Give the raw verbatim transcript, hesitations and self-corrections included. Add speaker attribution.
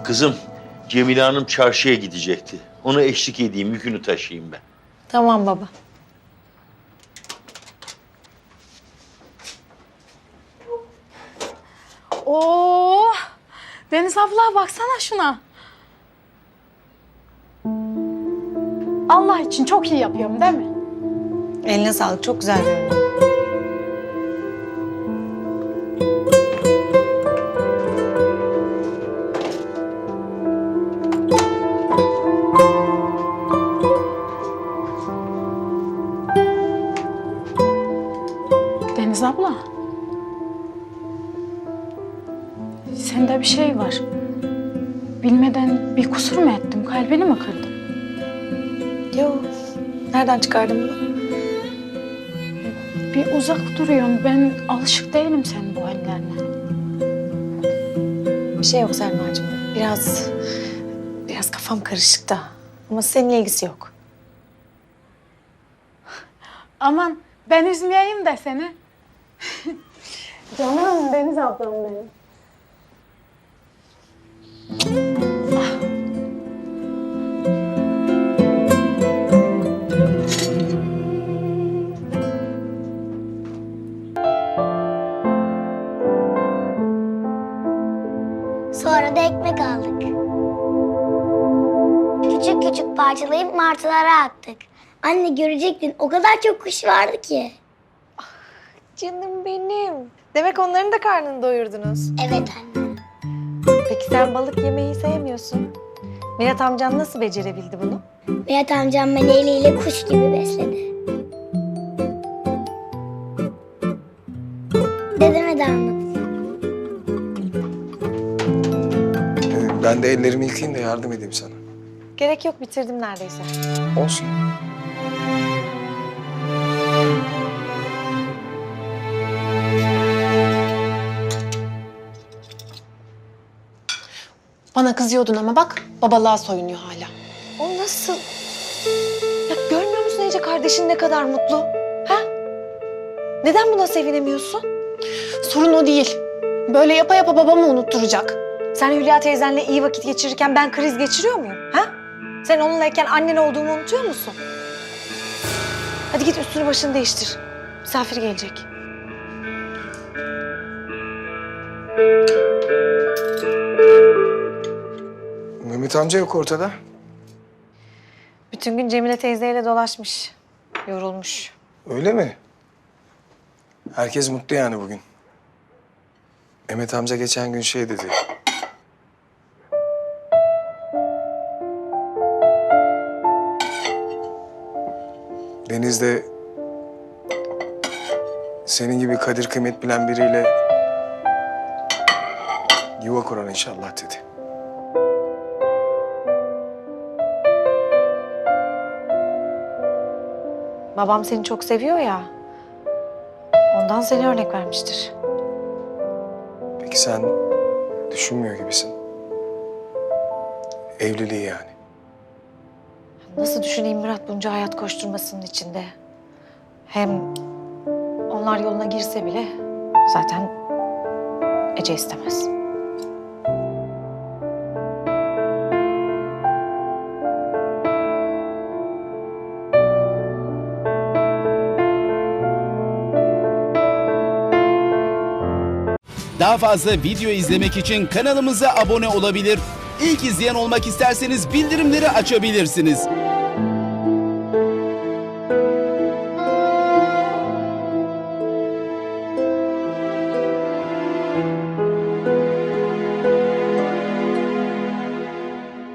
Speaker 1: Kızım, Cemile Hanım çarşıya gidecekti. Onu eşlik edeyim, yükünü taşıyayım ben.
Speaker 2: Tamam baba.
Speaker 3: Oo! Deniz abla baksana şuna. Allah için çok iyi yapıyorum değil mi?
Speaker 2: Eline sağlık. Çok güzel görünüyor.
Speaker 3: Deniz abla. Sende bir şey var. Bilmeden bir kusur mu ettim? Kalbini mi kırdım?
Speaker 2: Yok. Nereden çıkardın bunu?
Speaker 3: Bir uzak duruyorsun. Ben alışık değilim senin bu hallerine.
Speaker 2: Bir şey yok Selma'cığım. Biraz... Biraz kafam karışık da. Ama seninle ilgisi yok.
Speaker 3: Aman ben üzmeyeyim de seni. Canım Deniz ablam benim.
Speaker 4: Sonra da ekmek aldık. Küçük küçük parçalayıp martılara attık. Anne görecektin o kadar çok kuş vardı ki.
Speaker 2: Canım benim. Demek onların da karnını doyurdunuz.
Speaker 4: Evet anne.
Speaker 2: Peki sen balık yemeyi sevmiyorsun. Mirat amcan nasıl becerebildi bunu?
Speaker 4: Berat amcam beni eliyle kuş gibi besledi. Dedeme de anlat.
Speaker 5: Ee, Ben de ellerimi yıkayayım da yardım edeyim sana.
Speaker 2: Gerek yok, bitirdim neredeyse.
Speaker 5: Olsun.
Speaker 6: Bana kızıyordun ama bak babalığa soyunuyor hala.
Speaker 2: O nasıl? Ya görmüyor musun Ece kardeşin ne kadar mutlu? Ha? Neden buna sevinemiyorsun?
Speaker 6: Sorun o değil. Böyle yapa yapa babamı unutturacak.
Speaker 2: Sen Hülya teyzenle iyi vakit geçirirken ben kriz geçiriyor muyum? Ha? Sen onunlayken annen olduğumu unutuyor musun? Hadi git üstünü başını değiştir. Misafir gelecek.
Speaker 5: Mehmet amca yok ortada.
Speaker 2: Bütün gün Cemile teyzeyle dolaşmış. Yorulmuş.
Speaker 5: Öyle mi? Herkes mutlu yani bugün. Mehmet amca geçen gün şey dedi. Deniz'de senin gibi kadir kıymet bilen biriyle yuva kurar inşallah dedi.
Speaker 2: Babam seni çok seviyor ya. Ondan seni örnek vermiştir.
Speaker 5: Peki sen düşünmüyor gibisin. Evliliği yani.
Speaker 2: Nasıl düşüneyim Murat bunca hayat koşturmasının içinde? Hem onlar yoluna girse bile zaten Ece istemez.
Speaker 7: Daha fazla video izlemek için kanalımıza abone olabilir. İlk izleyen olmak isterseniz bildirimleri açabilirsiniz.